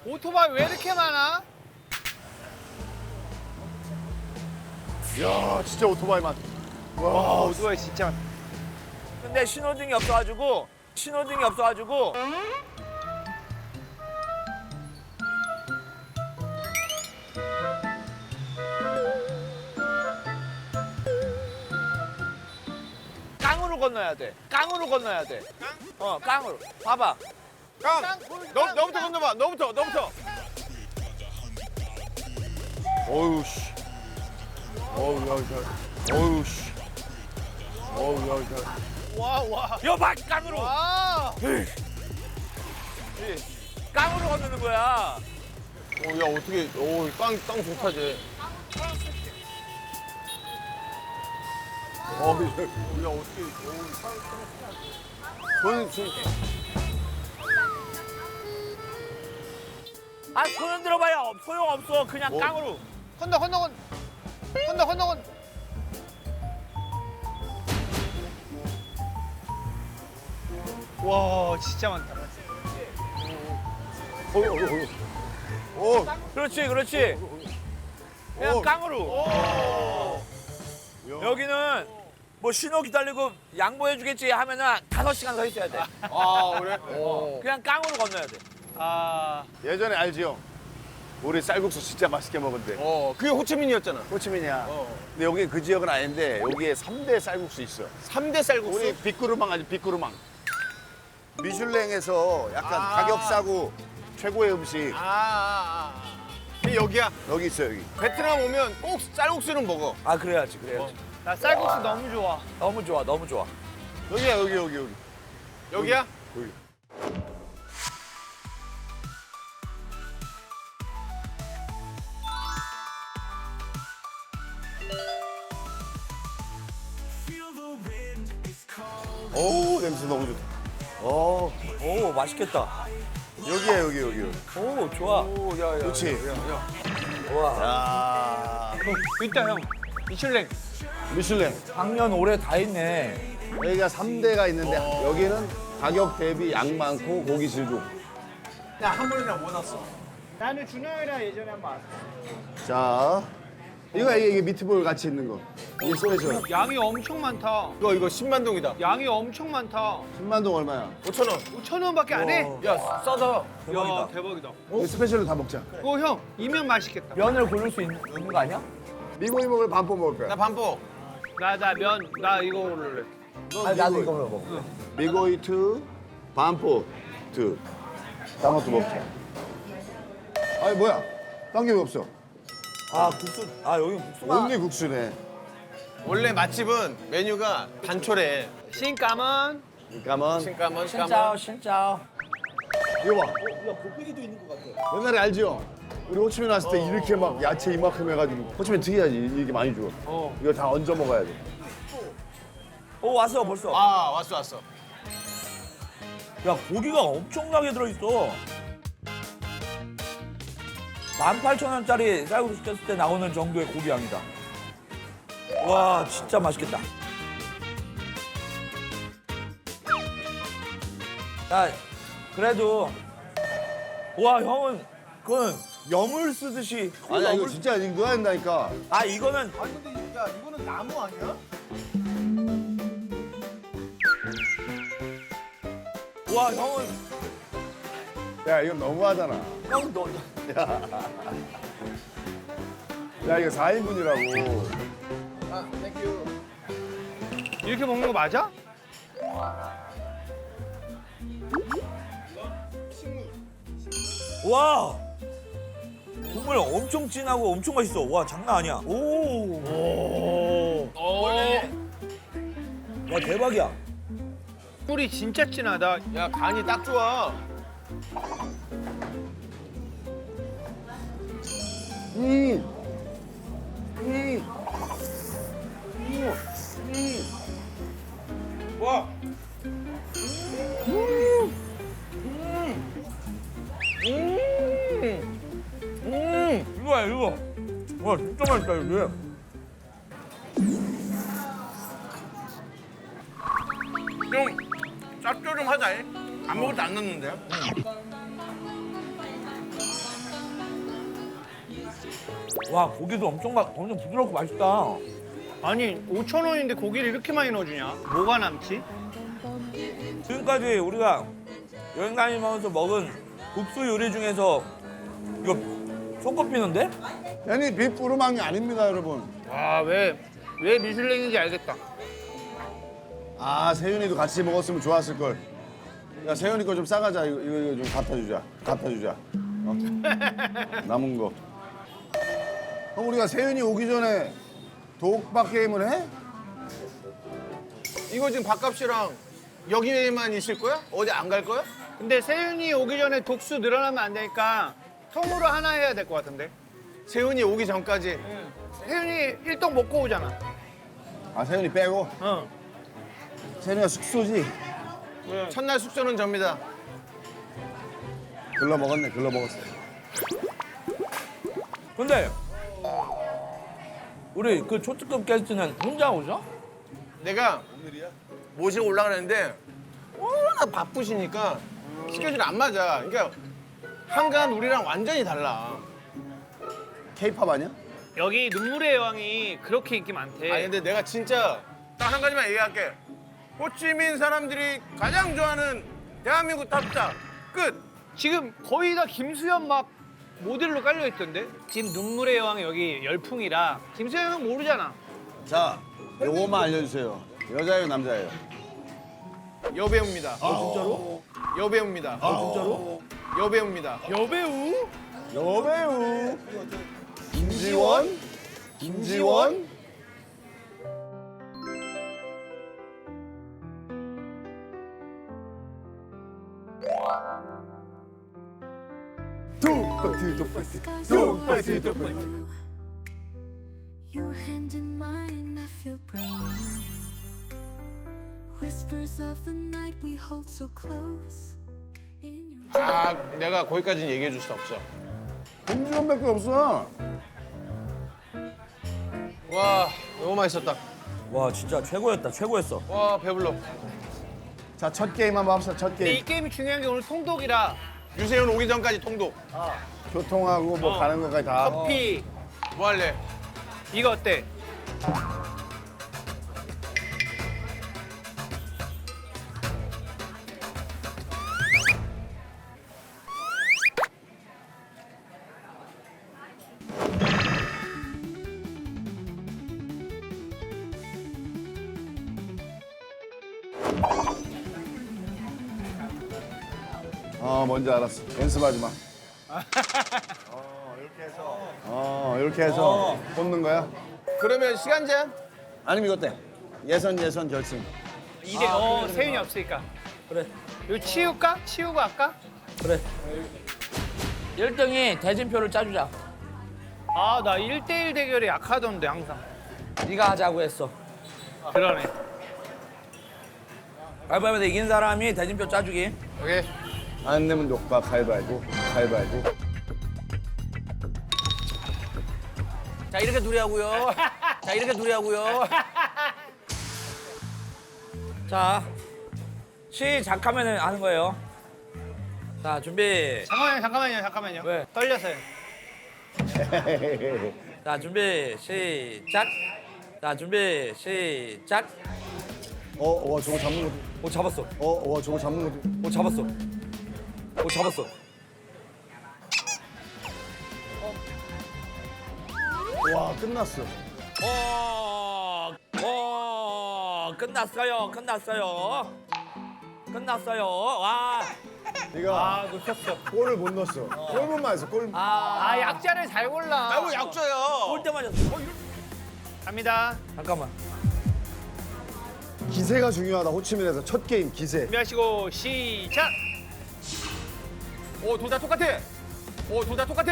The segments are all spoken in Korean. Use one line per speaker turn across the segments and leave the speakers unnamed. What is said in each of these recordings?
오토바이 왜 이렇게 많아?
야 진짜 오토바이 맛.
와 오토바이 진짜 많다.
근데 신호등이 없어가지고 깡으로 건너야 돼. 깡으로 건너야 돼. 깡으로. 봐봐.
깡! 너부터 건너봐. 너부터.
어우 씨. 어우 야 야. 어우 씨. 어우 야 야.
와.
여봐 깡으로.
아!
깡으로 건너는 거야.
야 어떻게? 깡 좋다 쟤.
야 어떻게?
아 손 흔들어봐야 소용없어. 그냥 깡으로.
건너.
와 진짜 많다.
그렇지. 그냥 깡으로. 여기는 뭐 신호 기다리고 양보해주겠지 하면은 5시간 서 있어야 돼.
아 그래?
그냥 깡으로 건너야 돼.
아
예전에 알지요? 우리 쌀국수 진짜 맛있게 먹은데.
그게 호치민이었잖아.
호치민이야. 근데 여기 그 지역은 아닌데 여기에 3대 쌀국수 있어.
3대 쌀국수.
우리 빅구르망 아니 빅구르망. 미슐랭에서 약간 가격 싸고 최고의 음식
그게 여기야.
여기 있어 여기.
베트남 오면 꼭 쌀국수는 먹어.
아 그래야지.
나 쌀국수 너무 좋아.
너무 좋아.
여기야 여기.
여기야?
여기. 오 냄새 너무 좋다.
오 맛있겠다.
여기야 여기.
오 좋아.
그렇지.
와.
야
있다 형. 미슐랭.
미슐랭.
작년 올해 다 있네.
여기가 3대가 있는데 여기는 가격 대비 양 많고 고기 질 좋고.
나는 준영이랑 예전에 한번 왔어.
자 이게 미트볼 같이 있는 거. 이게 스페셜.
양이 엄청 많다.
이거 10만 동이다.
양이 엄청 많다.
10만 동 얼마야?
5,000원.
5,000원밖에 안 해?
야 싸다.
야 대박이다.
이거 스페셜로 다 먹자.
어 형, 이면 맛있겠다.
면을 고를 수 있는 거 아니야?
미고이 먹을 반포 먹을 거야.
나 반포.
나 이거 고를래.
아니 나도 이거 먹어.
미고이 투 반포 투. 딴 것도 먹자. 아니 뭐야? 딴 게 왜 없어?
아 국수. 아 여기 국수가.
온리 국수네.
원래 맛집은 메뉴가 단촐해.
신까만.
잠깐만.
신까만.
진짜.
이거 봐. 야 곱빼기도 있는 것 같아. 옛날에 알지요? 우리 호치민 왔을 때 이렇게 막 야채 이만큼 해가지고 호치민 특이하지. 이렇게 많이 줘. 이거 다 얹어 먹어야 돼.
오 왔어 벌써.
아 왔어.
야 고기가 엄청나게 들어있어. 18,000원짜리 쌀국수 시켰을 때 나오는 정도의 고기 양이다. 와 진짜 맛있겠다. 야 그래도 와 형은 그건 염을 쓰듯이.
아니야 이거 진짜 이거 넣어야 된다니까.
아 이거는
아니 근데 야 이거는 나무 아니야?
와 형은
야 이거 너무하잖아.
형 너.
야 이거 4인분이라고.
이렇게 먹는 거 맞아?
와 국물 엄청 진하고 엄청 맛있어. 와 장난 아니야. 오. 와 대박이야.
꿀이 진짜 진하다.
야 간이 딱 좋아.
이거. 와 진짜 맛있다 이게.
좀 짭조름하다. 아무것도 안 넣는데요?
와 고기도 엄청 부드럽고 맛있다.
아니 5,000원인데 고기를 이렇게 많이 넣어주냐? 뭐가 남지?
지금까지 우리가 여행 다니면서 먹은 국수 요리 중에서 이거 손꼽히는데?
아니 빅부르망이 아닙니다 여러분.
아왜 미슐랭인지 알겠다.
아 세윤이도 같이 먹었으면 좋았을 걸. 야 세윤이 거 좀 싸가자. 이거 좀 갖다 주자. 어? 남은 거. 그럼 우리가 세윤이 오기 전에 독박 게임을 해?
이거 지금 밥값이랑 여기만 있을 거야? 어디 안 갈 거야?
근데 세윤이 오기 전에 독수 늘어나면 안 되니까 통으로 하나 해야 될 것 같은데.
세훈이 오기 전까지.
세윤이 일동 먹고 오잖아.
아 세윤이 빼고.
어.
세윤이가 숙소지.
첫날 숙소는 접니다.
글러 먹었어.
근데 우리 그 초특급 게스트는 혼자 오죠?
내가 모시고 올라가는데 워낙 바쁘시니까 스케줄이 안 맞아. 그러니까 한간 우리랑 완전히 달라.
케이팝 아니야?
여기 눈물의 여왕이 그렇게 인기 많대.
아니 근데 내가 진짜 딱 한 가지만 얘기할게. 호치민 사람들이 가장 좋아하는 대한민국 탑자 끝.
지금 거의 다 김수현 막 모델로 깔려 있던데. 지금 눈물의 여왕이 여기 열풍이라 김수현은 모르잖아.
자 요거만 알려주세요. 여자예요 남자예요?
여배우입니다.
진짜로?
여배우입니다.
진짜로?
여배우입니다.
여배우?
여배우 김지원
Your hand in mine, I feel brand new. Whispers of the night we hold so close. In your
아 내가 거기까지는 얘기해 줄 수 없어.
김지원밖에 없어.
와 너무 맛있었다.
와 진짜 최고였어.
와 배불러.
자 첫 게임 한번 합시다. 첫
근데 이
게임.
게임이 중요한 게 오늘 통독이라
유세윤 오기 전까지 통독.
교통하고 뭐 가는 것까지 다.
커피
뭐 할래?
이거 어때?
뭔지 알았어. 연습하지 마. 이렇게 해서 뽑는 거야?
그러면 시간 제한?
아니면 이거 어때? 예선 결승.
세윤이 없으니까.
그래.
이거 치울까? 치우고 할까?
그래. 1등이 대진표를 짜주자.
아, 나 1대1 대결에 약하던데, 항상.
네가 하자고 했어.
그러네.
가위바위보 이긴 사람이 대진표 짜주기.
오케이.
안 내면 녹박 가위바위보.
자 이렇게 둘이 하고요. 자 시작하면 하는 거예요. 자 준비.
잠깐만요.
왜?
떨려서요.
자 준비 시작.
와 저거 잡는 것도.
오 잡았어.
와 저거 잡는 것도.
오 잡았어.
와 끝났어.
끝났어요. 와.
네가
놓쳤어.
골을 못 넣었어. 골문만 했어. 골.
아, 약자를 잘 골라.
아이고 약줘요.
올 때 맞았어.
갑니다.
잠깐만.
기세가 중요하다. 호치민에서 첫 게임 기세.
준비하시고, 시작!
오, 둘 다 똑같아. 오,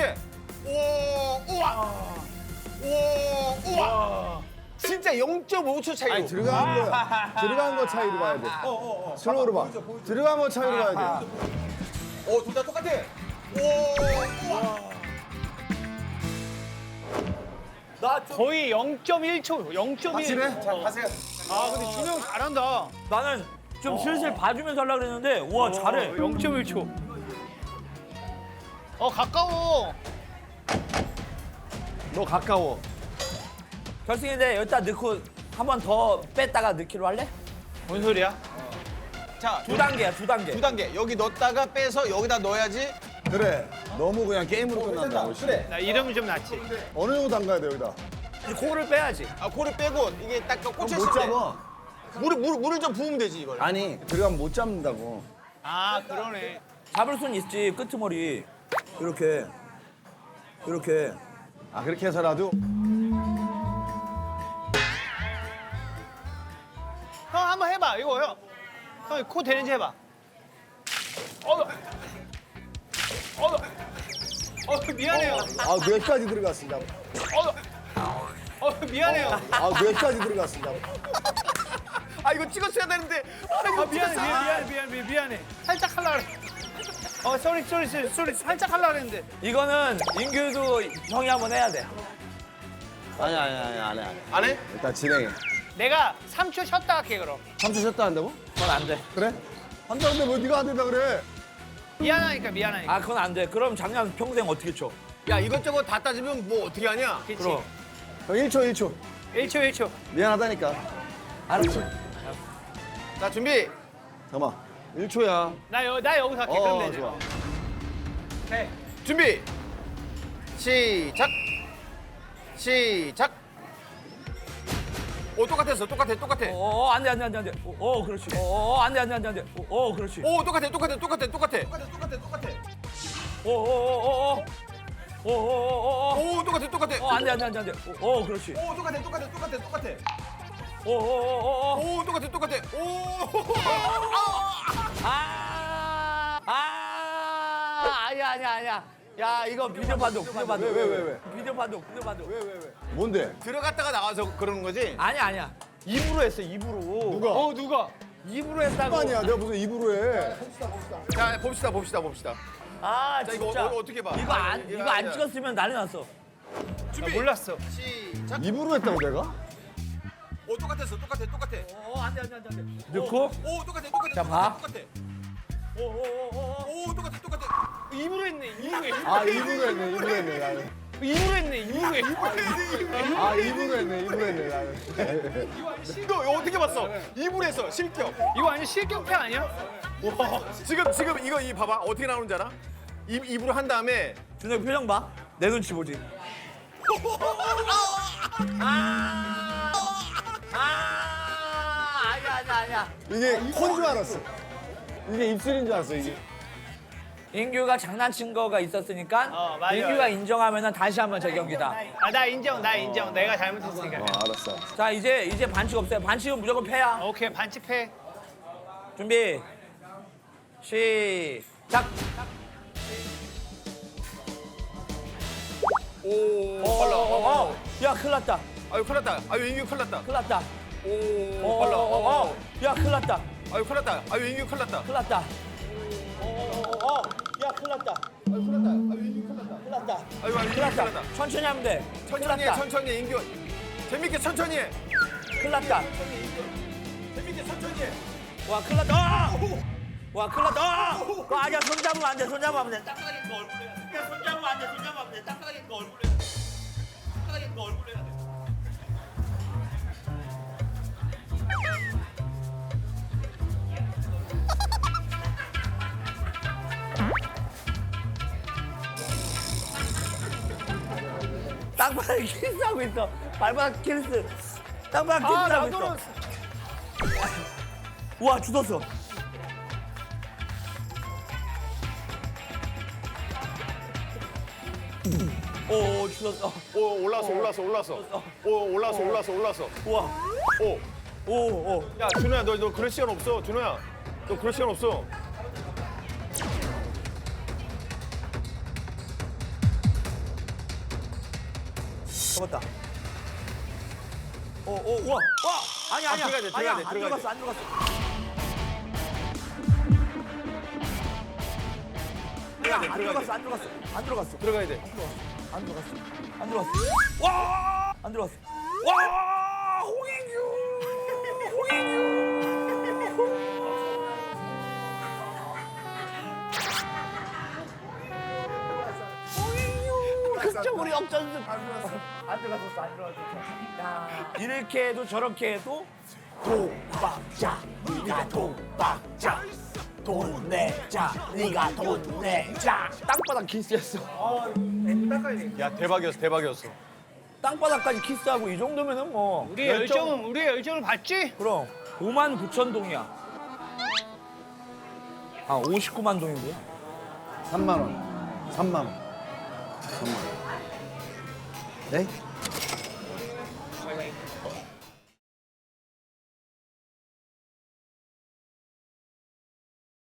우와. 진짜 0.5초 차이로.
아니 들어간 거야. 들어간 거 차이로 봐야 돼. 슬로우로 봐. 들어간 거 차이로 봐야 돼.
오, 둘 다 똑같아.
거의 0.1초, 0.1.
확실해? 자 가세요.
아, 근데 준호 형 잘한다.
나는 좀 슬슬 봐주면서 하려고 그랬는데 우와 잘해.
0.1초. 가까워.
너 가까워.
결승인데 여기다 넣고 한 번 더 뺐다가 넣기로 할래?
뭔 소리야?
자,
두 단계야, 두 단계.
두 단계. 여기 넣었다가 빼서 여기다 넣어야지.
그래. 너무 그냥 게임으로 끝난다.
그래.
나 이러면 좀 낫지.
어느 정도 담가야 돼 여기다?
이제 코를 빼야지.
아, 코를 빼고 이게 딱 꽂혔을
못
때
잡아.
물을 좀 부으면 되지 이걸.
아니 들어가면 못 잡는다고.
아 그러네.
잡을 순 있지, 끄트머리. 이렇게. 이렇게.
아 그렇게 해서라도
형 한번 해봐. 이거 형. 형 코 되는지 해봐. 미안해요.
아 뇌까지 들어갔습니다.
미안해요.
아 뇌까지 들어갔습니다.
아 이거 찍었어야 되는데.
미안해. 살짝 하려고 그래. 쏘리. 살짝 하려고 그랬는데.
이거는 인규도 형이 한번 해야 돼.
아니 안 해.
안 해?
일단 진행해.
내가 3초 쉬었다 할게 그럼.
3초 쉬었다 한다고?
그건 안 돼.
그래? 한다는데 뭐 네가 안 된다 그래?
미안하니까.
아, 그건 안 돼. 그럼 작년 평생 어떻게 쳐?
야 이것저것 다 따지면 뭐 어떻게 하냐?
그치.
그럼.
형 1초.
1초.
미안하다니까.
알았어.
자 준비.
잠깐만. 1초야.
나 여기서 할게. 그럼 되지.
좋아.
해.
준비. 시작. 오 똑같아.
안 돼. 그렇지. 안 돼. 그렇지.
오 똑같아.
오,
오 똑같아.
안 돼. 그렇지.
오 똑같아.
오.
오 똑같아. 오.
아니야. 야, 이거 비디오 판독.
왜?
비디오 판독.
뭔데?
들어갔다가 나와서 그러는 거지?
아니야. 입으로 했어, 입으로.
누가?
누가?
입으로 했다고.
아니야. 내가 무슨 입으로 해?
자 봅시다.
아,
자 이거
진짜.
어떻게 봐?
이거 안 찍었으면 난리 났어.
준비.
몰랐어.
시작.
입으로 했다고 내가?
오 똑같아.
안 돼. 넣고.
오 똑같아.
자, 봐.
오 똑같아.
입으로 했네.
아 입으로 했네. 나는.
입으로 했네.
아 입으로 했네. 나는.
너 이거 어떻게 봤어? 입으로 했어. 실격.
이거 완전 실격패 아니야?
와. 지금 이거 이 봐봐. 어떻게 나오는지 알아? 입으로 한 다음에
준혁 표정 봐. 내 눈치 보지. 아니야.
이게 콘 줄 알았어. 이게 입술인 줄 알았어 이게.
인규가 장난친 거가 있었으니까
맞아.
인규가 인정하면은 다시 한번 재경기다.
나 인정. 내가 잘못했으니까.
알았어.
자, 이제 반칙 없어요. 반칙은 무조건 패야.
오케이 반칙패.
준비. 시작.
오 빨라.
야, 큰일 났다.
아유 큰일 났다. 아유 인규 큰일 났다.
큰일 났다.
오 빨라.
야, 큰일 났다.
아유 큰일 났다. 아유 인규 큰일 났다.
큰일 났다. 야, 큰일 났다. 큰일 났다.
아유 인규
큰일
큰일 났다.
났다. 천천히 하면 돼.
천천히 해 인규. 재밌게 천천히 해.
큰일 났다.
재밌게 천천히 해.
와, 큰일 났다. 와, 큰일 났다. 아니야, 손 잡으면 안 돼. 손 잡으면 안 돼. 딱딱하게 거 얼굴에 해야 돼. 야, 손 잡으면 안 돼. 딱딱하게 거 얼굴에 해야 돼. 딱딱하게 거 얼굴에 해야 돼. 땅바닥에 키스하고 있어. 발바닥 키스. 땅바닥 키스하고 있어. 우와, 죽었어. 오, 죽었어.
오 올라왔어. 오 올라왔어.
우와.
오.
오.
야 준호야 너 그럴 시간 없어. 준호야 너 그럴 시간 없어.
잡았다. 우와. 와! 아니야.
들어가야 돼,
아니야,
들어가야 돼.
안 들어갔어. 안 들어갔어.
들어가야 돼.
안 들어갔어. 와! 안 들어갔어. 와! 홍인규! 극적으로 역전승. 안 들어갔었어, 안 들어갔었어. 야, 이렇게 해도 저렇게 해도 도박자, 네가 도박자. 돈 내자, 네가 돈 내자. 땅바닥 키스했어.
야 대박이었어 대박이었어.
땅바닥까지 키스하고 이 정도면은 뭐
우리의 열정을 봤지?
그럼 59,000동이야. 아 59만 동이고요.
3만 원. 3만 원. 3만 원.
네?